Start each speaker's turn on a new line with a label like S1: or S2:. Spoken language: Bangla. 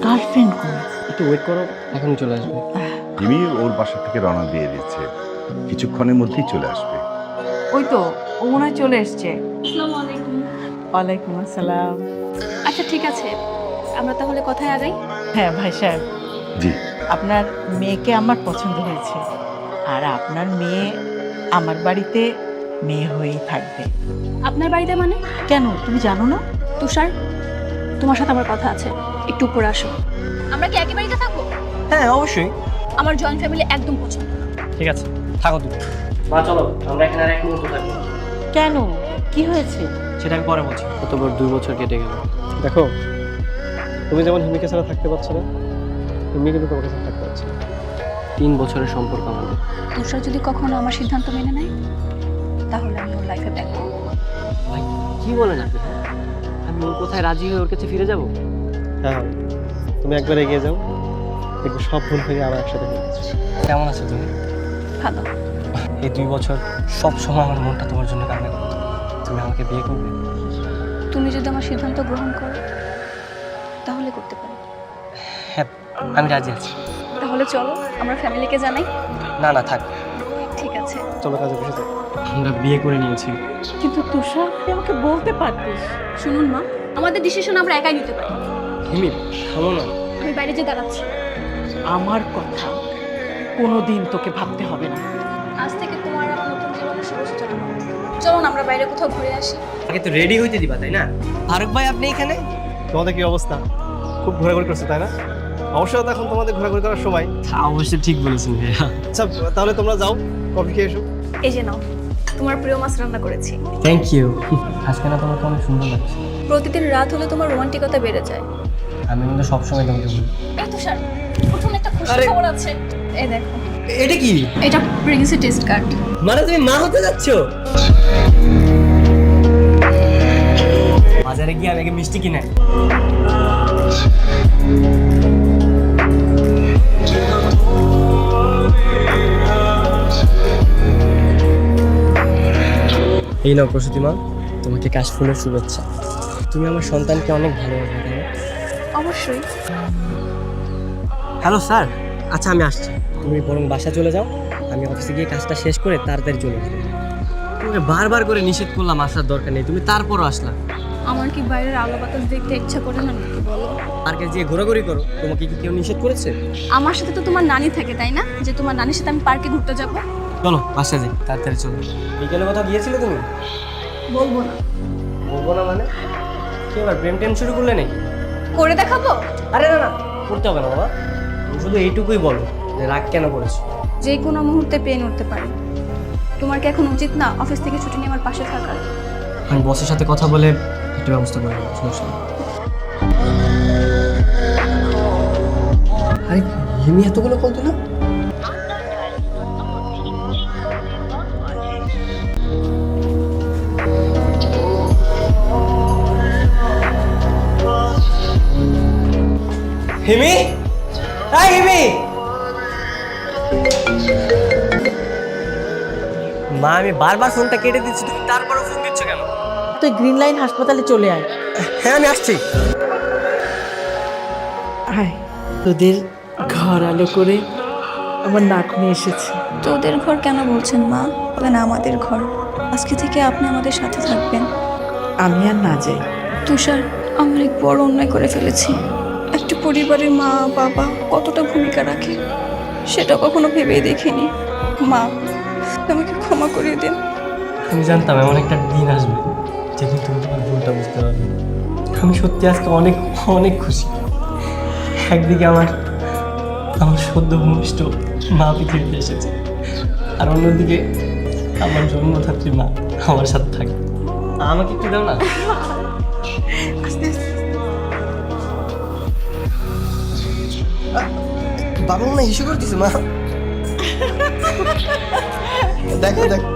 S1: গার্লফ্রেন্ড কোন?
S2: একটু ওয়েট করো, এখনই চলে আসবে।
S3: জিমি ওর বাসা থেকে রওনা দিয়ে দিচ্ছে, কিছুক্ষণের মধ্যেই চলে আসবে।
S1: ওই তো, ও মনে হয় চলে এসছে।
S4: আসসালামু আলাইকুম।
S1: ওয়ালাইকুম আসসালাম।
S4: আচ্ছা ঠিক আছে, আমরা তাহলে কথায় আগাই।
S1: হ্যাঁ ভাই সাহেব,
S3: জি,
S1: আপনার মেয়েকে আমার পছন্দ হয়েছে, আর আপনার মেয়ে আমার বাড়িতে মেয়ে হয়েই থাকবে।
S4: আপনার বাড়িতে মানে?
S1: কেন, তুমি জানো না?
S4: তুষার, তোমার সাথে আমার কথা আছে, একটু উপরে আসো। আমরা কি একই বাড়িতে থাকবো?
S2: হ্যাঁ অবশ্যই।
S4: আমার জয়েন্ট ফ্যামিলি একদম পছন্দ না।
S2: ঠিক আছে, থাকো তুমি। মা চলো, আমরা এখানে আর এক মুহূর্ত থাকবো।
S1: কেন, কি হয়েছে?
S2: সেটা আমি পরে বলছি। কতবার 2 বছর কেটে গেল। দেখো, তুমি যেমন হিমিকে ছাড়া থাকতে পারছো না, হিমি কিন্তু তোমাকে ছাড়া থাকতে পারছে না। 3 বছরের সম্পর্ক আমাদের।
S4: তুষার যদি কখনো আমার সিদ্ধান্ত মেনে নেয়, তাহলে আমি ওর লাইফে ব্যাক করবো।
S2: ভাই কি বলেন আপনি? আমি ওর কোথায় রাজি হয়ে ওর কাছে ফিরে যাব? হ্যাঁ, তুমি একবার এগিয়ে যাও, দেখবে সব ভুল হয়ে আবার একসাথে হয়ে গেছে। কেমন আছো তুমি?
S4: ভালো।
S2: এই 2 বছর সব সময় আমার মনটা তোমার জন্য কান্না করতো। তুমি আমাকে বিয়ে করবে?
S4: তুমি যদি আমার সিদ্ধান্ত গ্রহণ করো, তাহলে করতে পারি।
S2: হ্যাঁ, আমি রাজি আছি।
S4: তাহলে চলো আমরা ফ্যামিলিকে জানাই।
S2: না না থাক,
S4: ঠিক আছে।
S2: চলো কাজে বসে যাই। আমরা বিয়ে করে নিয়েছি।
S1: কিন্তু তুষার, তুই আমাকে বলতে পারতিস।
S4: শুনুন মা, আমাদের ডিসিশন আমরা একাই নিতে পারি।
S2: হিমি থামো না।
S4: আমি বাইরে যে দাঁড়াচ্ছি।
S1: আমার কথা কোনোদিন তোকে ভাবতে হবে না।
S4: আজ থেকে তোমার আমার নতুন জীবনের শুভ সূচনা হবে। চলো না আমরা বাইরে কোথাও ঘুরে আসি।
S2: আগে তো রেডি হইতে দিবা, তাই না? ফারুক ভাই আপনি এখানে?
S5: তোমাদের কি অবস্থা? খুব ঘোরাঘুরি করছো তাই না? অবশ্যই তো এখন তোমাদের ঘোরাঘুরি করার সময়।
S2: অবশ্যই ঠিক বলেছেন ভাইয়া।
S5: আচ্ছা তাহলে তোমরা যাও, কফি খেয়ে এসো।
S4: এই যে নাও, তোমার প্রিয় মাছ রান্না করেছি।
S2: Thank you. আজকে না তোমাকে অনেক সুন্দর লাগছে।
S4: প্রতিদিন রাত হলে তোমার রোমান্টিকতা বেড়ে যায়।
S2: আমি কিন্তু সবসময় তোমাকে বলি।
S4: এই তুষার, প্রথম একটা খুশি
S2: আরে-
S4: খবর আছে। এই দেখো,
S2: এটা কি?
S4: এটা প্রেগন্যান্সি টেস্ট কার্ড।
S2: মানে তুমি মা হতে যাচ্ছ? বাজারে গিয়ে আমি আগে মিষ্টি কিনে আনি। এই নাও প্রসূতি মা, তোমাকে কাশফুলের শুভেচ্ছা। তুমি আমার সন্তানকে অনেক ভালোবাসো, তাই না?
S4: অবশ্যই।
S2: হ্যালো স্যার, আচ্ছা আমি আসছি। তুমি বরং বাসা চলে যাও, আমি অফিসে গিয়ে কাজটা শেষ করে তাড়াতাড়ি চলে আসবো। তোমাকে বারবার করে নিষেধ করলাম আসার দরকার নেই, তুমি তারপরও আসলা।
S4: আমার কি বাইরের আলো বাতাস দেখতে ইচ্ছা করে না নাকি বলো?
S2: পার্কে গিয়ে ঘোরাঘুরি করো, তোমাকে কি কেউ নিষেধ করেছে?
S4: আমার সাথে তো তোমার নানি থাকে, তাই না? যে তোমার নানির সাথে আমি পার্কে ঘুরতে যাব।
S2: চলো বাসা যাই, তাড়াতাড়ি চলো। বিকেলে কোথাও গিয়েছিলে তুমি?
S4: বলবো না।
S2: বলবো না মানে? কি এবার প্রেম টেম শুরু করলে নাকি?
S4: করে দেখাবো?
S2: আরে না না, করতে হবে না বাবা। তুমি শুধু এইটুকুই বলো যে রাগ কেন করেছো।
S4: যে কোনো মুহূর্তে পেন উঠতে পারে। তোমার কি এখন উচিত না অফিস থেকে ছুটি নিয়ে আমার পাশে থাকার?
S2: আমি বসের সাথে কথা বলে একটা ব্যবস্থা করে নেবো, সমস্যা নেই। আরে হিমি এতগুলো কল দিল? হিমি, হাই হিমি। মা আমি বারবার ফোনটা কেটে দিচ্ছি, তুমি তারপরও ফোন দিচ্ছ কেন?
S1: তুই গ্রিন লাইন হাসপাতালে চলে আয়।
S2: হ্যাঁ আমি আসছি।
S1: আয়, তোদের ঘর আলো করে আমার নাক নিয়ে এসেছে।
S4: তোদের ঘর কেন বলছেন মা? বলেন আমাদের ঘর। আজকে থেকে আপনি আমাদের সাথে থাকবেন।
S1: আমি আর না যাই।
S4: তুষার, আমরা এক বড় অন্যায় করে ফেলেছি। একটা পরিবারের মা বাবা কতটা ভূমিকা রাখে সেটা কখনো ভেবেই দেখিনি। মা, আমাকে ক্ষমা করে দিন।
S2: আমি জানতাম এমন একটা দিন আসবে যেদিন তুমি তোমার ভুলটা বুঝতে পারবে। আমি সত্যি আজকে অনেক অনেক খুশি। একদিকে আমার আমার সদ্য ভূমিষ্ঠ মা পৃথিবীতে এসেছে, আর অন্যদিকে আমার জন্মধাত্রী মা আমার সাথে থাকে। আমাকে একটু দাও না। বাবা মনে ইস্যু করতেছে মা। দেখো দেখো